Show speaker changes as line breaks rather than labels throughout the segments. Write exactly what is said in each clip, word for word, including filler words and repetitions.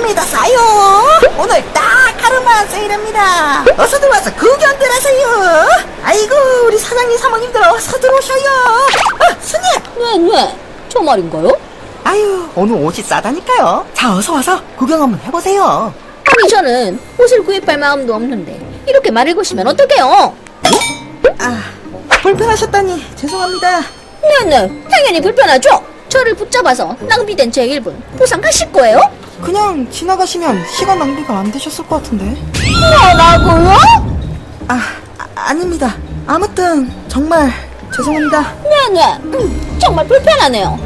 믿었어요. 오늘 딱 하루만 세일합니다. 어서 들어와서 구경들 하세요. 아이고, 우리 사장님 사모님들 어서 들어오셔요. 어, 스님.
네, 네. 저 말인가요?
아유, 오늘 옷이 싸다니까요. 자, 어서 와서 구경 한번 해보세요.
아니, 저는 옷을 구입할 마음도 없는데 이렇게 말을 거시면 어떡해요?
아, 불편하셨다니 죄송합니다.
네네, 당연히 불편하죠? 저를 붙잡아서 낭비된 제 일 분 보상하실 거예요?
그냥 지나가시면 시간 낭비가 안 되셨을 것 같은데.
뭐라고요?
아, 아 아닙니다. 아무튼 정말 죄송합니다.
네네, 음, 정말 불편하네요.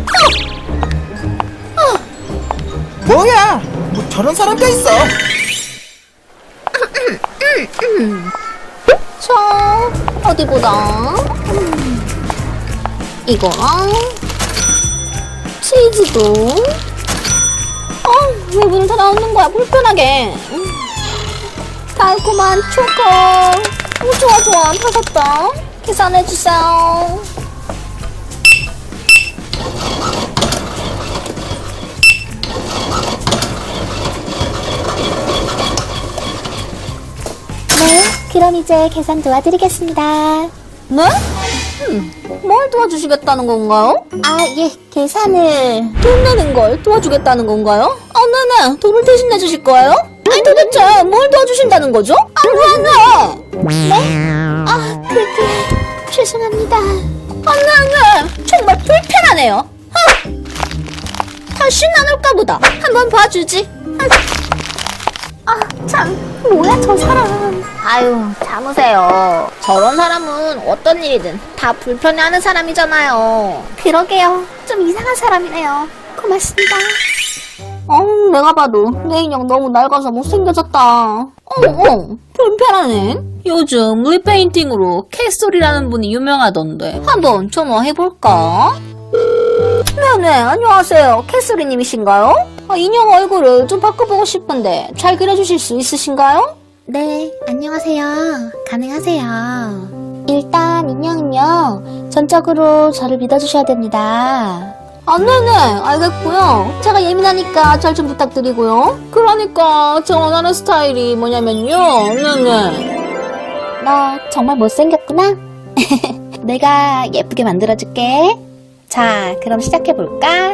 뭐야? 뭐 저런 사람도 있어.
자, 어디 보자. 음, 이거랑 치즈도. 어, 왜 문을 닫아놓는 거야? 불편하게. 음, 달콤한 초코. 오, 좋아 좋아, 받았다. 계산해주세요.
네, 그럼 이제 계산 도와드리겠습니다.
네? 음, 뭘 도와주시겠다는 건가요?
아, 예, 계산을.
돈 내는 걸 도와주겠다는 건가요? 아, 네네. 돈을 대신 내주실 거예요? 아니, 도대체 뭘 도와주신다는 거죠? 아, 네네.
네? 아, 그게, 죄송합니다.
아, 네네. 정말 불편하네요. 아, 다시 안 올까 보다. 한번 봐주지.
아, 참, 뭐야, 저 사람.
아유, 참으세요. 저런 사람은 어떤 일이든 다 불편해하는 사람이잖아요.
그러게요. 좀 이상한 사람이네요. 고맙습니다.
어, 내가 봐도 내 인형 너무 낡아서 못생겨졌다. 어, 어, 불편하네. 요즘 리페인팅으로 캐슬이라는 분이 유명하던데 한번 전화해볼까? 네네, 안녕하세요. 캐슬이님이신가요? 아, 인형 얼굴을 좀 바꿔보고 싶은데 잘 그려주실 수 있으신가요?
네, 안녕하세요. 가능하세요. 일단 인형은요, 전적으로 저를 믿어주셔야 됩니다.
아, 네네, 알겠고요. 제가 예민하니까 잘 좀 부탁드리고요. 그러니까 저 원하는 스타일이 뭐냐면요. 네네.
너 정말 못생겼구나? 내가 예쁘게 만들어줄게. 자, 그럼 시작해볼까?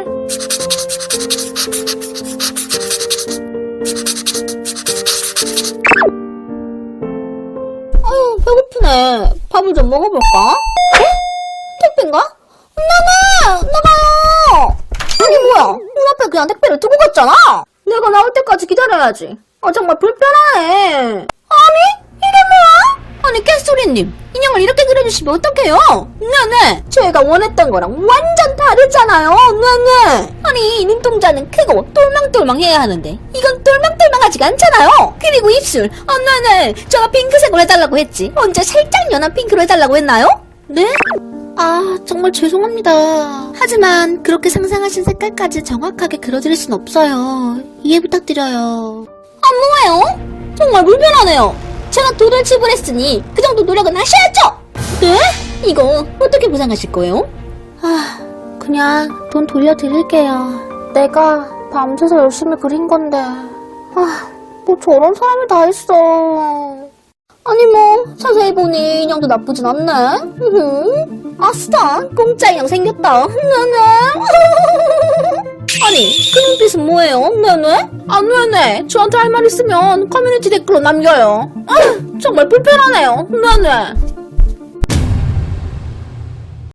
아유, 배고프네. 밥을 좀 먹어볼까? 어? 택배인가? 나가! 나가요! 아니, 뭐야. 눈앞에 그냥 택배를 두고 갔잖아? 내가 나올 때까지 기다려야지. 아, 정말 불편하네. 아니? 이게 뭐야? 아니, 깨소리님. 인형을 이렇게 그려주시면 어떡해요? 네네. 저희가 원했던 거랑 완전 다르잖아요. 네네. 아니, 눈동자는 크고 똘망똘망해야 하는데 이건 똘망똘망하지가 않잖아요. 그리고 입술. 아, 네네. 제가 핑크색으로 해달라고 했지. 언제 살짝 연한 핑크로 해달라고 했나요? 네?
아, 정말 죄송합니다. 하지만 그렇게 상상하신 색깔까지 정확하게 그려드릴 순 없어요. 이해 부탁드려요.
아, 뭐예요? 정말 불편하네요. 제가 돈을 지불했으니 그 정도 노력은 하셔야죠. 네? 이거 어떻게 보상하실 거예요?
아, 그냥 돈 돌려드릴게요. 내가 밤새서 열심히 그린 건데. 아, 뭐 저런 사람이 다 있어.
아니 뭐 자세히 보니 인형도 나쁘진 않네. 으흠. 아싸, 공짜 인형 생겼다. 네네. 아니, 그 눈빛은 뭐예요? 네네? 아, 네네. 저한테 할 말 있으면 커뮤니티 댓글로 남겨요. 아, 정말 불편하네요. 네네.